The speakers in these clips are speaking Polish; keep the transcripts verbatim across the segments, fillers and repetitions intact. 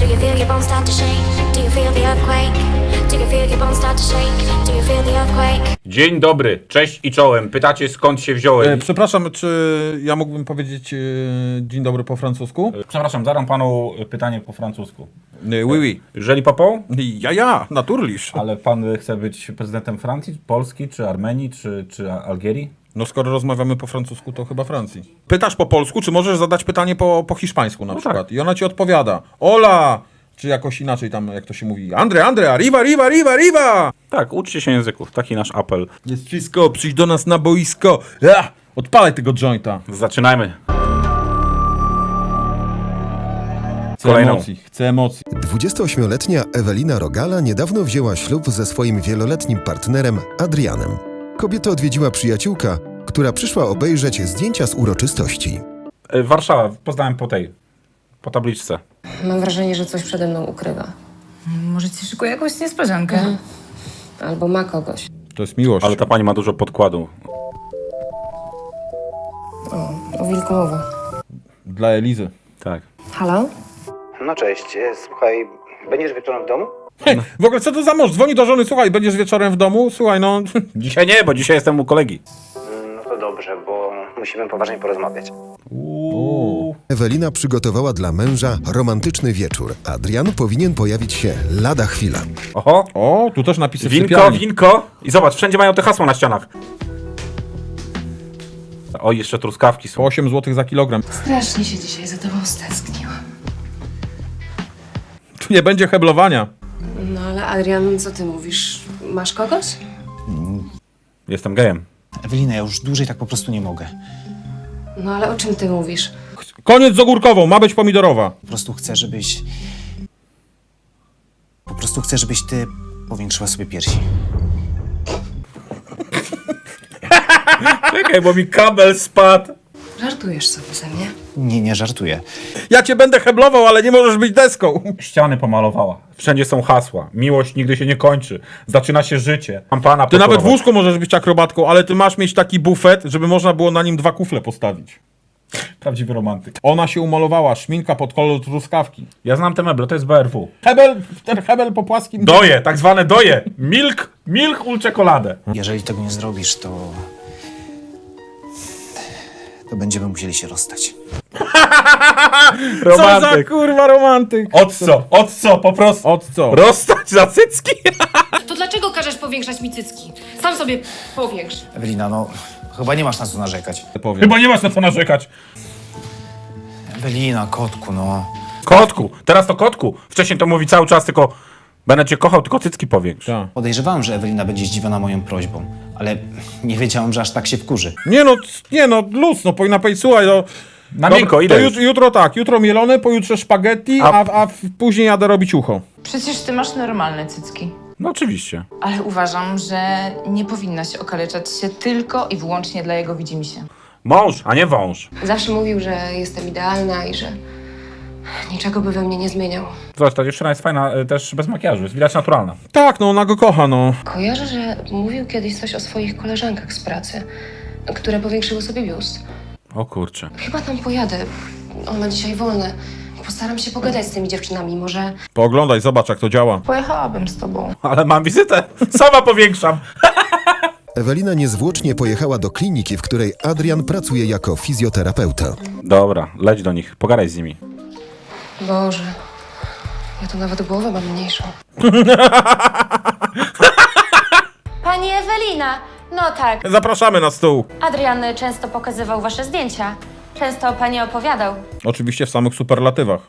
Do you feel your bones start to shake? Do you feel the earthquake? Do you feel your bones start to shake? Do you feel the earthquake? Dzień dobry, cześć i czołem. Pytacie, skąd się wziąłem? E, przepraszam, czy ja mógłbym powiedzieć e, dzień dobry po francusku? Przepraszam, zadam panu pytanie po francusku. E, oui, oui. Jeżeli popą? Ja, ja, naturlisz. Ale pan chce być prezydentem Francji, Polski, czy Armenii, czy, czy Algierii? No skoro rozmawiamy po francusku, to chyba Francji. Pytasz po polsku, czy możesz zadać pytanie po, po hiszpańsku na No przykład? tak. I ona ci odpowiada. Hola! Czy jakoś inaczej tam, jak to się mówi. Andre, Andre, arriva, arriva, arriva, arriva! Tak, uczcie się języków, taki nasz apel. Jest wszystko, przyjdź do nas na boisko. Ja, odpalaj tego jointa. Zaczynajmy. Chcę Kolejną. emocji, chcę emocji. dwudziestoośmioletnia Ewelina Rogala niedawno wzięła ślub ze swoim wieloletnim partnerem Adrianem. Kobietę odwiedziła przyjaciółka, która przyszła obejrzeć zdjęcia z uroczystości. E, Warszawa, poznałem po tej, po tabliczce. Mam wrażenie, że coś przede mną ukrywa. Może ci szykuje jakąś niespodziankę? Mhm. Albo ma kogoś. To jest miłość. Ale ta pani ma dużo podkładu. O wilku mowa. Dla Elizy. Tak. Halo? No cześć, e, słuchaj, będziesz wieczorem w domu? Hej, w ogóle co to za mąż? Dzwoni do żony, słuchaj, będziesz wieczorem w domu? Słuchaj, no... Dzisiaj nie, bo dzisiaj jestem u kolegi. No to dobrze, bo musimy poważnie porozmawiać. Uuu. Ewelina przygotowała dla męża romantyczny wieczór. Adrian powinien pojawić się lada chwila. Oho, O, tu też napisy w winko, sypialni. winko. I zobacz, wszędzie mają te hasła na ścianach. O, jeszcze truskawki Po są. osiem złotych za kilogram. Strasznie się dzisiaj za tobą stęskniłam. Tu nie będzie heblowania. No ale Adrian, co ty mówisz? Masz kogoś? Jestem gejem. Ewelina, ja już dłużej tak po prostu nie mogę. No ale o czym ty mówisz? Koniec z ogórkową, ma być pomidorowa. Po prostu chcę, żebyś... Po prostu chcę, żebyś ty powiększyła sobie piersi. Czekaj, bo mi kabel spadł. Żartujesz sobie ze mnie? Nie, nie żartuję. Ja cię będę heblował, ale nie możesz być deską. Ściany pomalowała. Wszędzie są hasła. Miłość nigdy się nie kończy. Zaczyna się życie. Mam pana Ty nawet w poczurować. łóżku możesz być akrobatką, ale ty masz mieć taki bufet, żeby można było na nim dwa kufle postawić. Prawdziwy romantyk. Ona się umalowała, szminka pod kolor truskawki. Ja znam te meble, to jest B R W. Hebel, ten hebel po płaskim... Doje, tak zwane doje. Milk, milk ul czekoladę. Jeżeli tego nie zrobisz, to... To będziemy musieli się rozstać. Co za Romantyk. kurwa romantyk. Od co? Od co? Po prostu. Od co? Rozstać za cycki? To dlaczego każesz powiększać mi cycki? Sam sobie powiększ. Ewelina, no... Chyba nie masz na co narzekać. Powiem. Chyba nie masz na co narzekać. Ewelina, kotku, no... Kotku. Teraz to kotku. Wcześniej to mówi cały czas tylko będę cię kochał, tylko cycki powiększ. Tak. Podejrzewałem, że Ewelina będzie zdziwiona moją prośbą, ale nie wiedziałem, że aż tak się wkurzy. Nie no, c- nie no, luz, no powinna powiedzieć, słuchaj, no... Na dobra, miękko, to ile jut, już? jutro tak, jutro mielone, pojutrze spaghetti, A- a, a w- później jadę robić ucho. Przecież ty masz normalne cycki. No oczywiście. Ale uważam, że nie powinnaś okaleczać się tylko i wyłącznie dla jego widzimisię. Mąż, a nie wąż. Zawsze mówił, że jestem idealna i że niczego by we mnie nie zmieniał. Zobacz, ta dziewczyna jest fajna y, też bez makijażu, jest widać naturalna. Tak, no ona go kocha, no. Kojarzę, że mówił kiedyś coś o swoich koleżankach z pracy, które powiększyły sobie biust. O kurczę. Chyba tam pojadę. On ma dzisiaj wolne. Postaram się pogadać z tymi dziewczynami, może... Pooglądaj, zobacz jak to działa. Pojechałabym z tobą. Ale mam wizytę. Sama powiększam. Ewelina niezwłocznie pojechała do kliniki, w której Adrian pracuje jako fizjoterapeuta. Dobra, leć do nich, pogadaj z nimi. Boże, ja tu nawet głowę mam mniejszą. Pani Ewelina, no tak, Zapraszamy na stół. Adrian często pokazywał wasze zdjęcia. Często o pani opowiadał. Oczywiście w samych superlatywach.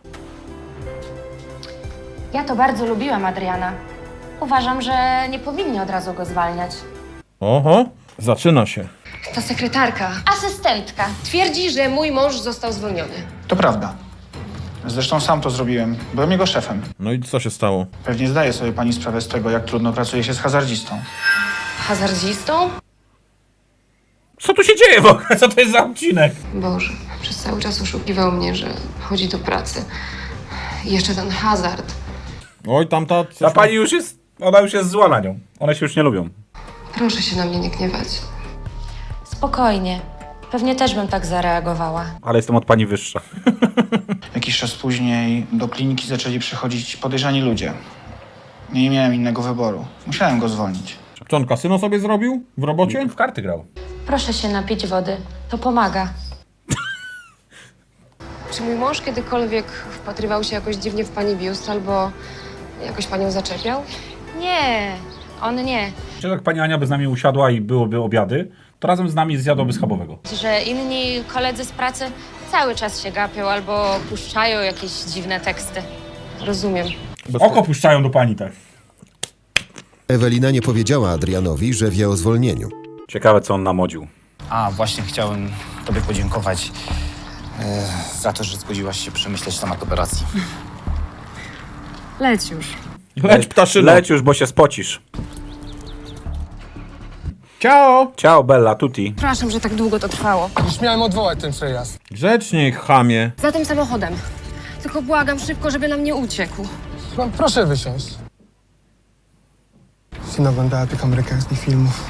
Ja to bardzo lubiłam Adriana. Uważam, że nie powinni od razu go zwalniać. Oho, zaczyna się. Ta sekretarka Asystentka. twierdzi, że mój mąż został zwolniony. To prawda. Zresztą sam to zrobiłem. Byłem jego szefem. No i co się stało? Pewnie zdaje sobie pani sprawę z tego, jak trudno pracuje się z hazardzistą. Hazardzistą? Co tu się dzieje w ogóle? Co to jest za odcinek? Boże, przez cały czas oszukiwał mnie, że chodzi do pracy. I jeszcze ten hazard. Oj, tamta... Ta pani już jest, ona już jest zła na nią. One się już nie lubią. Proszę się na mnie nie gniewać. Spokojnie. Pewnie też bym tak zareagowała. Ale jestem od pani wyższa. Jakiś czas później do kliniki zaczęli przychodzić podejrzani ludzie. Nie miałem innego wyboru. Musiałem go zwolnić. Co on kasyno sobie zrobił w robocie? W karty grał. Proszę się napić wody. To pomaga. Czy mój mąż kiedykolwiek wpatrywał się jakoś dziwnie w pani biust albo jakoś panią zaczepiał? Nie, on nie. Czy jak pani Ania by z nami usiadła i byłoby obiady, to razem z nami zjadłaby schabowego. Że inni koledzy z pracy cały czas się gapią albo puszczają jakieś dziwne teksty. Rozumiem. Oko puszczają do pani, tak. Ewelina nie powiedziała Adrianowi, że wie o zwolnieniu. Ciekawe, co on namodził. A, właśnie chciałem tobie podziękować e, za to, że zgodziłaś się przemyśleć temat operacji. Leć już. Leć ptaszyno. Leć już, bo się spocisz. Ciao. Ciao, Bella, tutti. Przepraszam, że tak długo to trwało. Już miałem odwołać ten przejazd. Grzecznie, chamie. Za tym samochodem. Tylko błagam szybko, żeby nam nie uciekł. No, proszę wysiąść. Się naglądała tych amerykańskich filmów.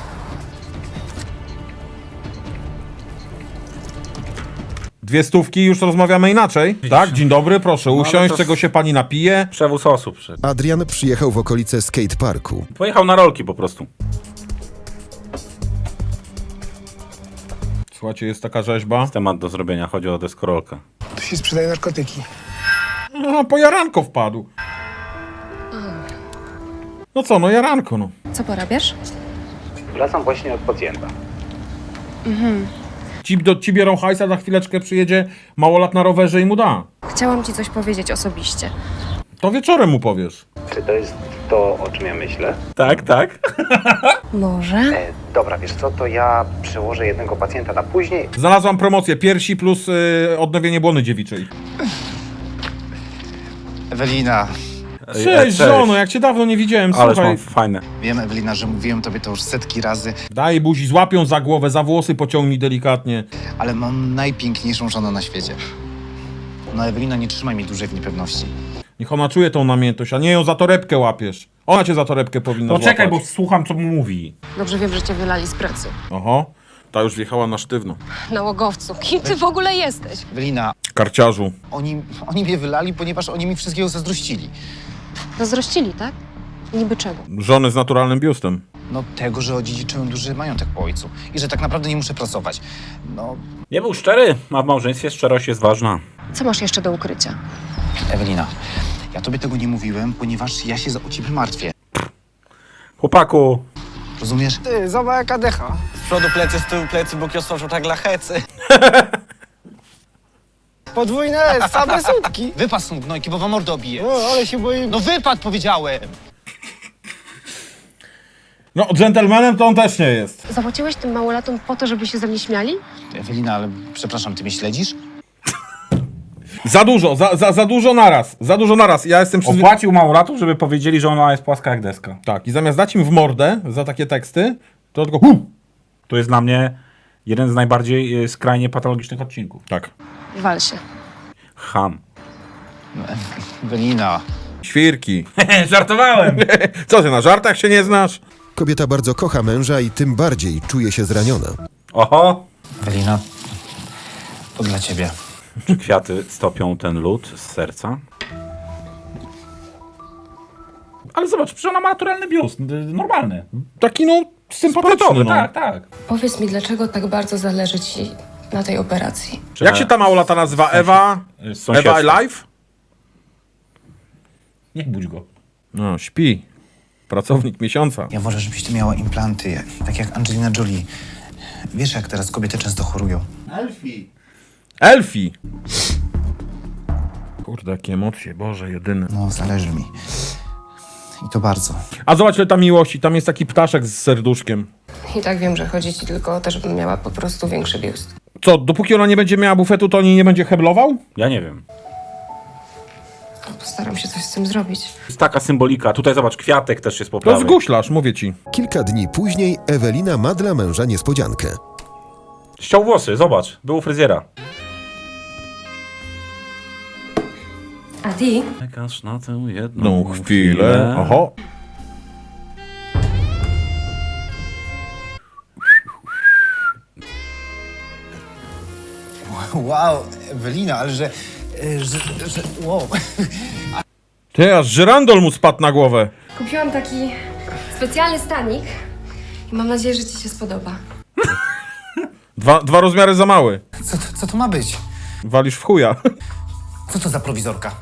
Dwie stówki, już rozmawiamy inaczej. Tak, dzień dobry, proszę ale usiąść, to- czego się pani napije. Przewóz osób. Przy... Adrian przyjechał w okolice skateparku. Pojechał na rolki po prostu. Słuchajcie, jest taka rzeźba. Temat do zrobienia, chodzi o deskorolkę. Tu się sprzedaje narkotyki. No, po jaranko wpadł. No co, no jaranko, no. Co porabiasz? Wracam właśnie od pacjenta. Ci, do, ci biorą hajsa, za chwileczkę przyjedzie małolat na rowerze i mu da. Chciałam ci coś powiedzieć osobiście. To wieczorem mu powiesz. Czy to jest to, o czym ja myślę? Tak, tak. Może? E, dobra, wiesz co, to ja przełożę jednego pacjenta na później. Znalazłam promocję, piersi plus y, odnowienie błony dziewiczej. Ewelina, Cześć, żono, jak cię dawno nie widziałem, Ależ słuchaj. mam fajne. wiem, Ewelina, że mówiłem tobie to już setki razy, Daj buzi, złapią za głowę, za włosy pociągnij delikatnie. ale mam najpiękniejszą żonę na świecie. No, Ewelina, nie trzymaj mi dłużej w niepewności. Niech ona czuje tą namiętność, a nie ją za torebkę łapiesz. Ona cię za torebkę powinna No czekaj, bo złapać. słucham, co mu mówi. Dobrze wiem, że cię wylali z pracy. Oho, ta już wjechała na sztywno. Nałogowcu, kim ty w ogóle jesteś? Ewelina, Karciarzu. oni, oni mnie wylali, ponieważ oni mi wszystkiego zazdrościli. Zazdrościli, tak? Niby czego? Żony z naturalnym biustem. No tego, że odziedziczyłem duży majątek po ojcu i że tak naprawdę nie muszę pracować. No, Nie był szczery, a w małżeństwie szczerość jest ważna. Co masz jeszcze do ukrycia? Ewelina, ja tobie tego nie mówiłem, ponieważ ja się za o ciebie martwię. Chłopaku, Rozumiesz? Ty, zobacz jaka decha. Z przodu plecy, z tyłu plecy, bo kiosą tak dla hecy. Podwójne, same sutki. Wypad stąd, gnojki, bo wam mordę obiję. O, ale się boję. No wypad, powiedziałem! No, dżentelmenem to on też nie jest. Zapłaciłeś tym małolatom po to, żeby się ze mnie śmiali? Ewelina, ale przepraszam, ty mnie śledzisz? Za dużo, za, za, za dużo naraz. Za dużo naraz. Ja jestem przyzwy... opłacił małolatów, żeby powiedzieli, że ona jest płaska jak deska. Tak, i zamiast dać im w mordę za takie teksty, to tylko hu! To jest dla mnie jeden z najbardziej y, skrajnie patologicznych odcinków. Tak. Wal się. Ham. Ewelina. Świrki. Żartowałem! Co ty, na żartach się nie znasz? Kobieta bardzo kocha męża i tym bardziej czuje się zraniona. Oho! Ewelina, to dla ciebie. Czy kwiaty stopią ten lód z serca? Ale zobacz, przecież ona ma naturalny biust, y, normalny. Taki no sympatyczny, Sportowy, no. tak, tak. Powiedz mi, dlaczego tak bardzo zależy ci na tej operacji? Jak się ta małolata nazywa? Ewa? Y, z sąsiedztwa. Ewa Alive? Niech budź go. No, śpi. Pracownik miesiąca. Ja wolę, żebyś ty miała implanty, jak, tak jak Angelina Jolie. Wiesz, jak teraz kobiety często chorują. Elfi! Kurde, jakie emocje, Boże, jedyny. No, zależy mi. I to bardzo. A zobacz, ile tam miłości. Tam jest taki ptaszek z serduszkiem. I tak wiem, że chodzi ci tylko o to, żebym miała po prostu większy biust. Co, dopóki ona nie będzie miała bufetu, to oni nie będzie heblował? Ja nie wiem. Postaram się coś z tym zrobić. Jest taka symbolika. Tutaj zobacz, kwiatek też jest po To prawej. zguślasz, mówię ci. Kilka dni później Ewelina ma dla męża niespodziankę. Ściął włosy, zobacz. Był u fryzjera. A ty? Czekasz na tę jedną No chwilę. Oho. Wow, Ewelina, ale że... że, że wow. Ty, aż żyrandol mu spadł na głowę. Kupiłam taki specjalny stanik i mam nadzieję, że ci się spodoba. Dwa, dwa rozmiary za mały. Co, to- co to ma być? Walisz w chuja. Co to za prowizorka?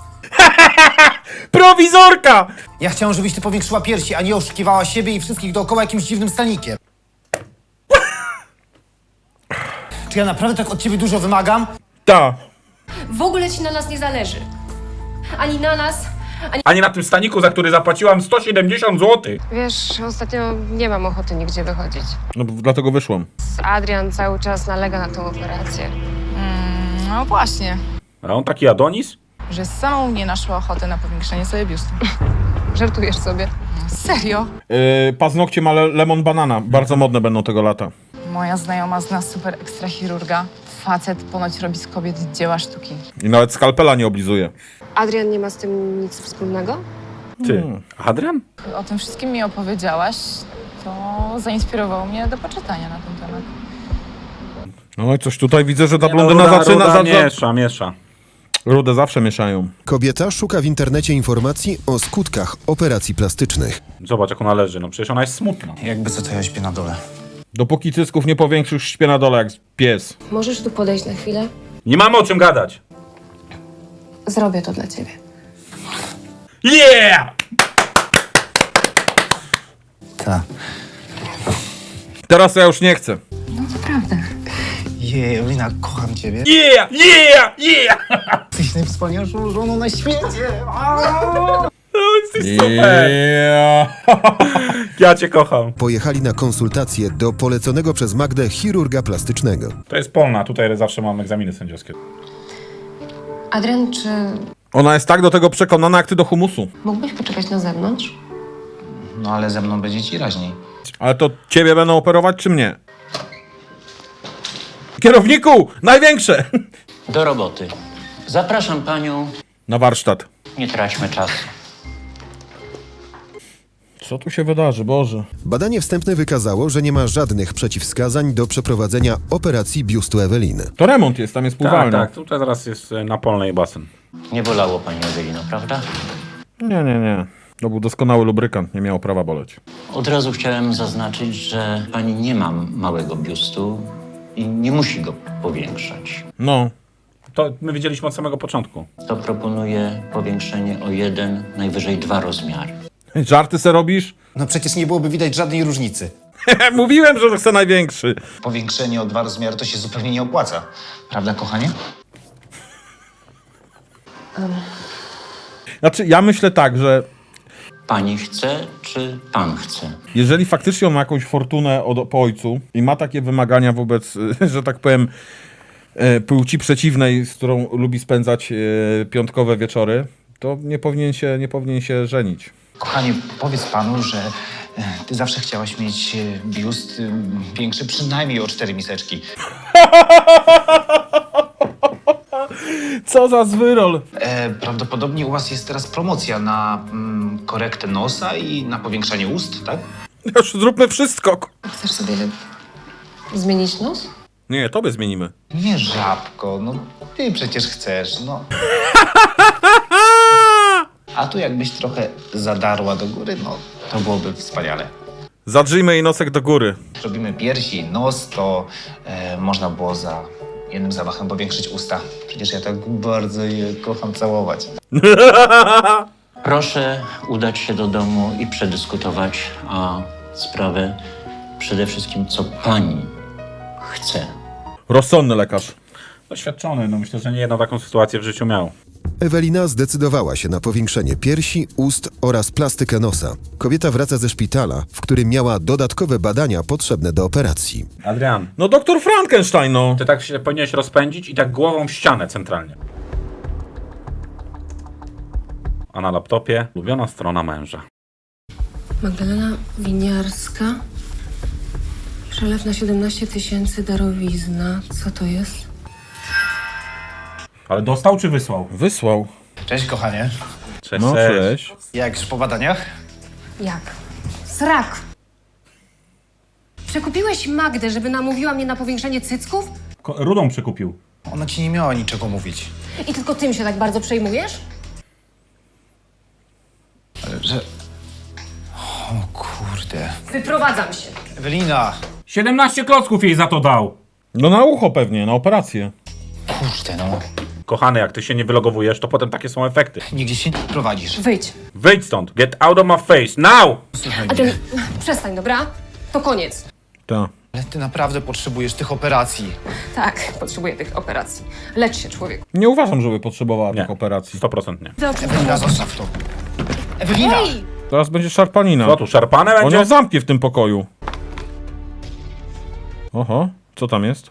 Prowizorka! Ja chciałem, żebyś ty powiększyła piersi, a nie oszukiwała siebie i wszystkich dookoła jakimś dziwnym stanikiem. Czy ja naprawdę tak od ciebie dużo wymagam? Ta. W ogóle ci na nas nie zależy. Ani na nas, ani... A nie na tym staniku, za który zapłaciłam sto siedemdziesiąt złotych. Wiesz, ostatnio nie mam ochoty nigdzie wychodzić. No dlatego wyszłam. Adrian cały czas nalega na tą operację. Mm, no właśnie, A on taki Adonis? że z samą nie naszła ochoty na powiększenie sobie biustu. Żartujesz sobie. Serio? Yy, paznokcie ma le lemon banana. Bardzo modne będą tego lata. Moja znajoma zna super ekstra chirurga. Facet ponoć robi z kobiet dzieła sztuki. I nawet skalpela nie oblizuje. Adrian nie ma z tym nic wspólnego? Ty, Adrian? O tym wszystkim mi opowiedziałaś, to zainspirowało mnie do poczytania na ten temat. No i coś tutaj widzę, że ta Nie, blondyna no, ruda, zaczyna... ruda za- za- miesza, miesza. Rudę zawsze mieszają. Kobieta szuka w internecie informacji o skutkach operacji plastycznych. Zobacz, jak ona leży, no przecież ona jest smutna. Jakby co, to ja śpię na dole. Dopóki cysków nie powiększysz, śpię na dole jak pies. Możesz tu podejść na chwilę? Nie mamy o czym gadać. Zrobię to dla ciebie. Yeah! Tak. Teraz ja już nie chcę. Jej, Ewelina, kocham ciebie. Yeah! Yeah! Yeah! Jesteś najwspanialszą żoną na świecie. No, jesteś super. Yeah. Ja cię kocham. Pojechali na konsultację do poleconego przez Magdę chirurga plastycznego. To jest Polna, tutaj zawsze mam egzaminy sędziowskie. Adrian, czy Ona jest tak do tego przekonana, jak ty do humusu. mógłbyś poczekać na zewnątrz? No ale ze mną będzie ci raźniej. Ale to ciebie będą operować, czy mnie? Kierowniku! Największe! Do roboty. Zapraszam panią. Na warsztat. Nie traćmy czasu. Co tu się wydarzy, Boże? Badanie wstępne wykazało, że nie ma żadnych przeciwwskazań do przeprowadzenia operacji biustu Eweliny. To remont jest, tam jest Tak, pływalnia. tak, tutaj zaraz jest e, na Polnej basen. Nie bolało pani Ewelino, prawda? Nie, nie, nie. To był doskonały lubrykant, nie miało prawa boleć. Od razu chciałem zaznaczyć, że pani nie ma małego biustu i nie musi go powiększać. No. To my wiedzieliśmy od samego początku. To proponuję powiększenie o jeden, najwyżej dwa rozmiary. Żarty se robisz? No przecież nie byłoby widać żadnej różnicy. Mówiłem, że chcę największy. Powiększenie o dwa rozmiary to się zupełnie nie opłaca. Prawda, kochanie? Znaczy, ja myślę tak, że Pani chce, czy pan chce? jeżeli faktycznie on ma jakąś fortunę od, po ojcu i ma takie wymagania wobec, e, że tak powiem, e, płci przeciwnej, z którą lubi spędzać e, piątkowe wieczory, to nie powinien się, nie powinien się żenić. Kochanie, powiedz panu, że e, ty zawsze chciałaś mieć e, biust e, większy przynajmniej o cztery miseczki. Co za zwyrol! E, prawdopodobnie u was jest teraz promocja na mm, korektę nosa i na powiększanie ust, tak? Już zróbmy wszystko. Chcesz sobie zmienić nos? Nie, tobie zmienimy. Nie, żabko, no ty przecież chcesz, no. A tu jakbyś trochę zadarła do góry, no to byłoby wspaniale. Zadrzyjmy jej nosek do góry. Robimy piersi, nos, to e, można było za jednym zamachem powiększyć usta. Przecież ja tak bardzo je kocham całować. Proszę udać się do domu i przedyskutować a sprawę przede wszystkim, co pani chce. Rozsądny lekarz. Doświadczony, no myślę, że nie jedną taką sytuację w życiu miał. Ewelina zdecydowała się na powiększenie piersi, ust oraz plastykę nosa. Kobieta wraca ze szpitala, w którym miała dodatkowe badania potrzebne do operacji. Adrian, No doktor Frankenstein, no. ty tak się powinieneś rozpędzić i tak głową w ścianę centralnie. A na laptopie ulubiona strona męża. Magdalena Winiarska. Przelew na siedemnaście tysięcy, darowizna. Co to jest? Ale dostał czy wysłał? Wysłał. Cześć, kochanie. Cześć, No cześć. cześć. Jak już po badaniach? Jak? Srak! Przekupiłeś Magdę, żeby namówiła mnie na powiększenie cycków? Ko- Rudą przekupił. Ona ci nie miała niczego mówić. I tylko tym się tak bardzo przejmujesz? Ale że... O kurde. Wyprowadzam się. Ewelina! siedemnaście klocków jej za to dał. No na ucho pewnie, na operację. Kurde no. Kochany, jak ty się nie wylogowujesz, to potem takie są efekty. Nigdzie się nie prowadzisz. Wyjdź. Wyjdź stąd. Get out of my face. Now! Słuchaj Adrian, mnie. przestań, dobra? To koniec. Tak. Ale ty naprawdę potrzebujesz tych operacji. Tak, potrzebuję tych operacji. Lecz się, człowieku. Nie uważam, żeby potrzebowała Nie. tych operacji. sto procent nie. Ewelina, zostaw to. Ewelina! Teraz będzie szarpanina. Co tu, szarpane On będzie? ją zamknie w tym pokoju. Oho, co tam jest?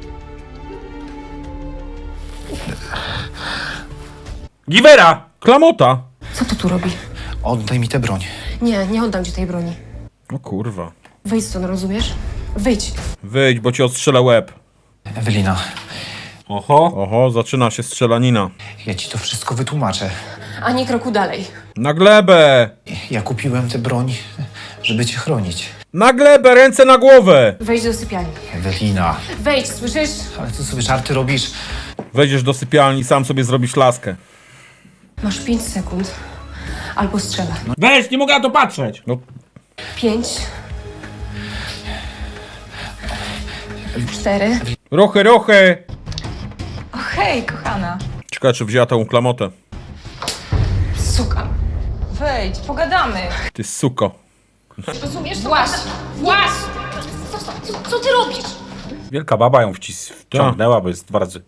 Givera! Klamota! Co to tu robi? Oddaj mi tę broń. Nie, nie oddam ci tej broni. O kurwa. Wyjdź stąd, rozumiesz? Wyjdź. Wyjdź, bo ci odstrzelę łeb. Ewelina, Oho. Oho, zaczyna się strzelanina. ja ci to wszystko wytłumaczę. Ani kroku dalej. Na glebę! Ja kupiłem tę broń, żeby cię chronić. Na glebę, ręce na głowę! Wejdź do sypialni. Ewelina, Wejdź, słyszysz? ale co sobie żarty robisz? Wejdziesz do sypialni, sam sobie zrobisz laskę. Masz pięć sekund. Albo strzela. Weź, nie mogę na to patrzeć. No, Pięć. Cztery. ruchy, ruchy! O hej, kochana. Ciekawe, czy wzięła tą klamotę. Suka. Wejdź, pogadamy. Ty suko. Rozumiesz? Właś. Właś. Co, co ty robisz? Wielka baba ją wcis wciągnęła, bo jest dwa razy.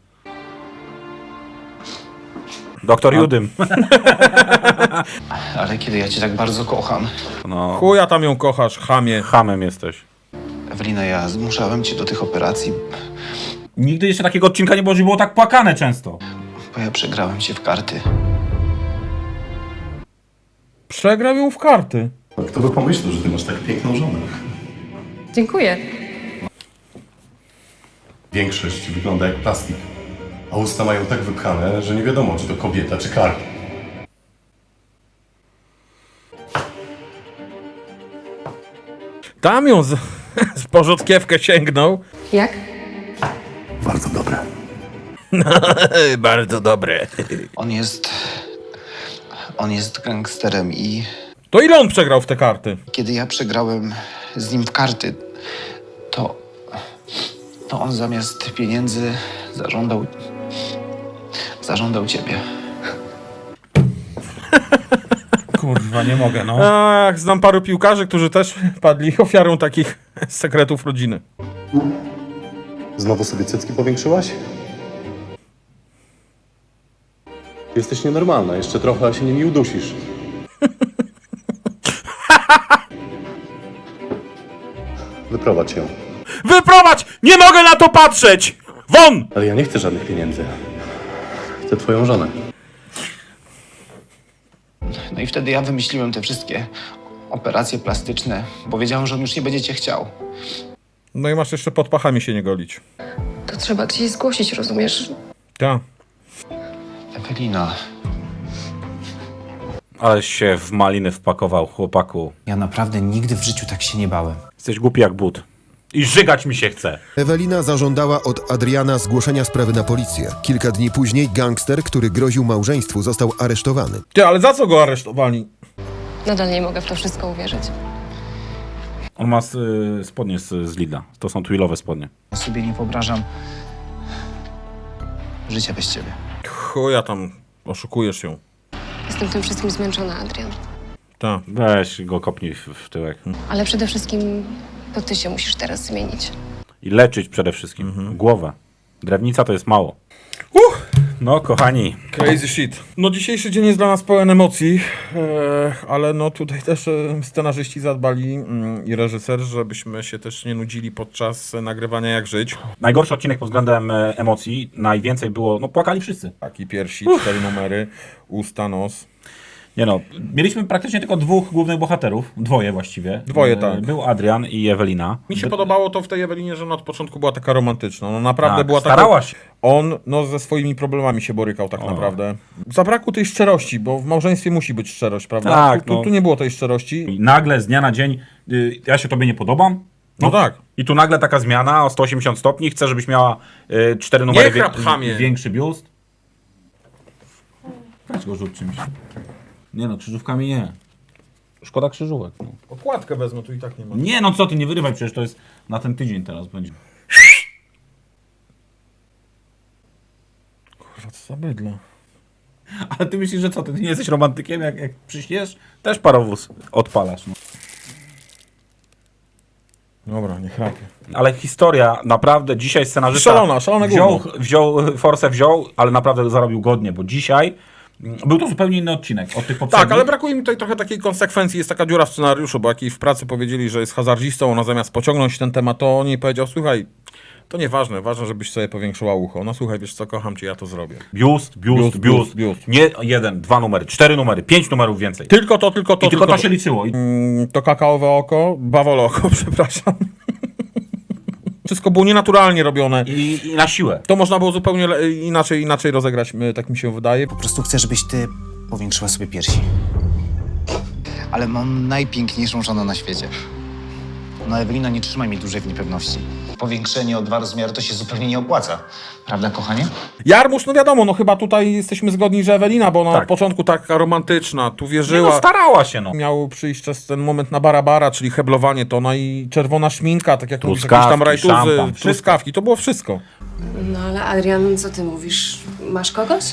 Doktor Judym. Ale kiedy ja cię tak bardzo kocham. No, Chuja tam ją kochasz, chamie. hamem jesteś. Ewelina, ja zmuszałem cię do tych operacji, Nigdy jeszcze takiego odcinka nie było, że było tak płakane często. bo ja przegrałem cię w karty. Przegrał ją w karty. Kto by pomyślał, że ty masz tak piękną żonę? Dziękuję. Większość wygląda jak plastik, a usta mają tak wypchane, że nie wiadomo, czy to kobieta, czy kark. Tam ją z, z porzodkiewkę sięgnął. Jak? Bardzo dobre. Bardzo dobre. On jest... On jest gangsterem i To ile on przegrał w te karty? kiedy ja przegrałem z nim w karty, to... To on zamiast pieniędzy zażądał... Zażądał ciebie. Kurwa, nie mogę, no. Ach, znam paru piłkarzy, którzy też padli ofiarą takich sekretów rodziny. Znowu sobie cycki powiększyłaś? Jesteś nienormalna, jeszcze trochę, a się nimi udusisz. Wyprowadź ją. Wyprowadź! Nie mogę na to patrzeć! Won! Ale ja nie chcę żadnych pieniędzy. Chcę twoją żonę. No i wtedy ja wymyśliłem te wszystkie operacje plastyczne, bo wiedziałem, że on już nie będzie cię chciał. No i masz jeszcze pod pachami się nie golić. To trzeba gdzieś zgłosić, rozumiesz? Tak. Ewelina, Ale się w maliny wpakował, chłopaku. Ja naprawdę nigdy w życiu tak się nie bałem. Jesteś głupi jak but. I żygać mi się chce. Ewelina zażądała od Adriana zgłoszenia sprawy na policję. Kilka dni później gangster, który groził małżeństwu, został aresztowany. Ty, ale za co go aresztowali? Nadal nie mogę w to wszystko uwierzyć. On ma y, spodnie z, z Lidla. To są twillowe spodnie. ja sobie nie wyobrażam życia bez ciebie. Chuja tam, oszukujesz ją. Jestem tym wszystkim zmęczona, Adrian. Tak. Weź go kopnij w, w tyłek. Ale przede wszystkim to ty się musisz teraz zmienić. I leczyć przede wszystkim. Głowę. Drewnica to jest mało. Uch. No, kochani. Crazy shit. No dzisiejszy dzień jest dla nas pełen emocji, e, ale no tutaj też e, scenarzyści zadbali mm, i reżyser, żebyśmy się też nie nudzili podczas e, nagrywania Jak Żyć. Najgorszy odcinek pod względem e, emocji. Najwięcej było, no płakali wszyscy. Taki piersi, cztery numery, usta, nos. Nie no, mieliśmy praktycznie tylko dwóch głównych bohaterów. Dwoje właściwie. Dwoje, E, tak. Był Adrian i Ewelina. Mi się By- podobało to w tej Ewelinie, że ona od początku była taka romantyczna. No naprawdę Tak, była taka... starała się. On no ze swoimi problemami się borykał tak O. naprawdę. Zabrakło tej szczerości, bo w małżeństwie musi być szczerość, prawda? Tak, tu, tu, no. tu nie było tej szczerości. I nagle z dnia na dzień, y, ja się tobie nie podobam, No tak. I tu nagle taka zmiana o sto osiemdziesiąt stopni. Chcę, żebyś miała y, cztery numery Nie chrap, chamie. większy biust. Weź go rzuć czymś. Nie no, krzyżówkami nie. Szkoda krzyżówek. No. Okładkę wezmę, tu i tak nie ma. Nie no co ty, nie wyrywaj, przecież to jest na ten tydzień teraz będzie. Kurwa, co za bydle. Ale ty myślisz, że co, ty nie jesteś romantykiem, jak, jak przyśniesz? Też parowóz odpalasz. No. Dobra, nie chrapie. Ale historia, naprawdę, dzisiaj scenarzysta Szalona, szalone wziął, gówno. wziął, Force wziął, ale naprawdę zarobił godnie, bo dzisiaj mm, był to zupełnie inny odcinek od tych poprzednich. Tak, ale brakuje mi tutaj trochę takiej konsekwencji. Jest taka dziura w scenariuszu, bo jak jej w pracy powiedzieli, że jest hazardzistą, ona zamiast pociągnąć ten temat, to on jej powiedział, słuchaj, to nieważne, ważne, żebyś sobie powiększyła ucho. No słuchaj, wiesz co, kocham cię, ja to zrobię. Biust, biust, Biust, biust, biust. Nie jeden, dwa numery, cztery numery, pięć numerów więcej. Tylko to, tylko to, I tylko to się liczyło. I... Mm, to kakaowe oko, bawole oko, przepraszam. Wszystko było nienaturalnie robione. I, I na siłę. To można było zupełnie le- inaczej, inaczej rozegrać, my- tak mi się wydaje. Po prostu chcę, żebyś ty powiększyła sobie piersi. Ale mam najpiękniejszą żonę na świecie. No Ewelina, nie trzymaj mnie dłużej w niepewności. Powiększenie o dwa rozmiary to się zupełnie nie opłaca. Prawda, kochanie? Jarmusz, no wiadomo, no chyba tutaj jesteśmy zgodni, że Ewelina, bo ona Tak. od początku taka romantyczna, tu Nie wierzyła. no, starała się no. Miał przyjść czas ten moment na barabara, czyli heblowanie tona i czerwona szminka, tak jak mówisz, jakieś tam Truskawki, rajtuzy, szampan, wszystko. truskawki, to było wszystko. No ale Adrian, co ty mówisz? Masz kogoś?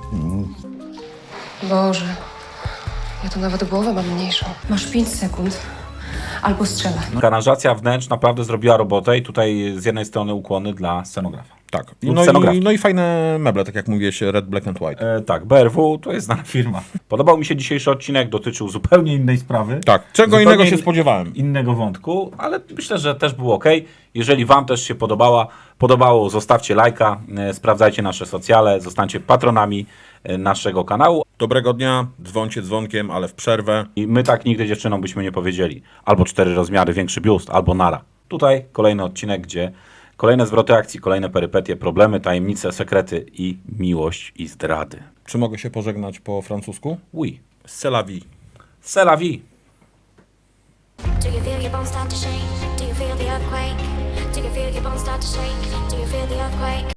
Boże, ja to nawet głowę mam mniejszą. Masz pięć sekund. Albo strzelaj. Aranżacja wnętrz naprawdę zrobiła robotę i tutaj z jednej strony ukłony dla scenografa. Tak. Lub No scenografki. i, no i fajne meble, tak jak mówiłeś, Red, Black and White. E, tak, B R W to jest znana firma. Podobał mi się dzisiejszy odcinek, dotyczył zupełnie innej sprawy. Tak, czego Zupełnie innego się in- spodziewałem. Innego wątku, ale myślę, że też było ok. Jeżeli wam też się podobała, podobało, zostawcie lajka, e, sprawdzajcie nasze socjale, zostańcie patronami e, naszego kanału. Dobrego dnia, dzwońcie dzwonkiem, ale w przerwę. I my tak nigdy dziewczynom byśmy nie powiedzieli. Albo cztery rozmiary, większy biust, albo nara. Tutaj kolejny odcinek, gdzie kolejne zwroty akcji, kolejne perypetie, problemy, tajemnice, sekrety i miłość i zdrady. Czy mogę się pożegnać po francusku? Oui. C'est la vie. C'est la vie. Do you feel your bones start to shake? Do you feel the earthquake? Do you feel your bones start to shake? Do you feel the earthquake?